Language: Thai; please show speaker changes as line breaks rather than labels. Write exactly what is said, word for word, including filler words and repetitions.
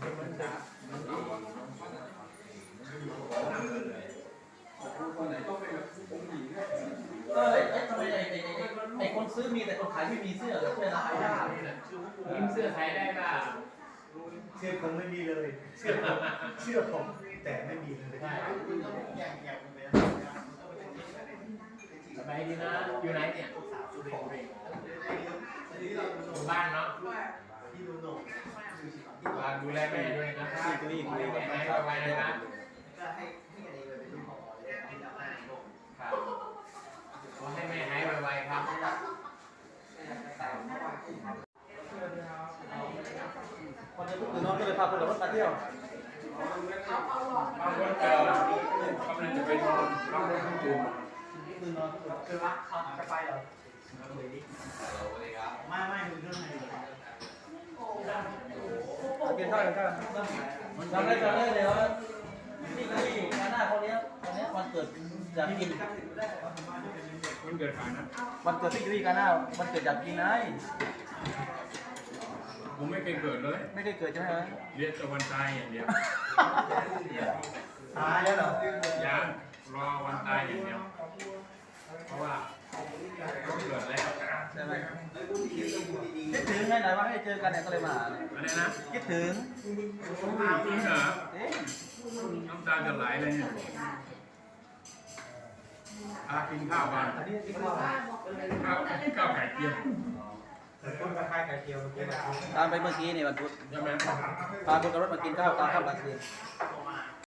เออไอ้ทำไมไอ้ไอ้ไอ้ไอ้คนซื้อมีแต่คนขายไม่มีเสื้อเสื้อลายได้
ยิ้มเสื้อไทยได้ป่ะ
เสื้อผมไม่มีเลยเสื้อผมเสื้อผมแต่ไม่มีเลยใช่
สบายดีนะอยู่ไหนเนี่ยอยู่บ้านเนาะดูแลแม่ด้วยนะครับดูแลแม่ให้ไวๆนะครับขอให้แม่หายไวๆครับ
คนจะพูดถึงน้องก็เลยพาคนขับรถมาเที่ยว
บางคนเจอกำลังจะไปนอนบางคนต้องตื่น
คือนอนคือว่าเขาจะไปเหรอ
ไม่ไม่ดูเรื่องไหน
กินข้าวกันข้าวจำได้จำได้เลยว่าที่ที่งานหน้าคนนี้คนนี้วันเกิดอยากกิน
มันเกิดฝันนะ
วันเกิดที่ที่งานหน้าวันเกิดอยากกินไง
ผมไม่เคยเกิดเลย
ไม่ได้เกิดใช่ไหม
เรียกแต่วันตายอย่างเดียว
ตายแล้วเหรอ
ยังรอวันตายอย่างเดียวเพราะว่าต้องเกิดแล้ว
ใช่ไหมคิดถึงไงไหนว่าให้เจอกันเนี่ยก็เลยมา
อะไรนะ
คิดถึง
จริงเหรอน้ำตาจะไหลเลยเนี่ยอากินข้าวกันข้าวข้าวไก่เจียว
คนมาขายไก่เจียว
ตามไปเมื่อกี้นี่วันพุธ
ใช่ไหม
พาคนกับรถมากินข้าวตามข้าวกลางคืน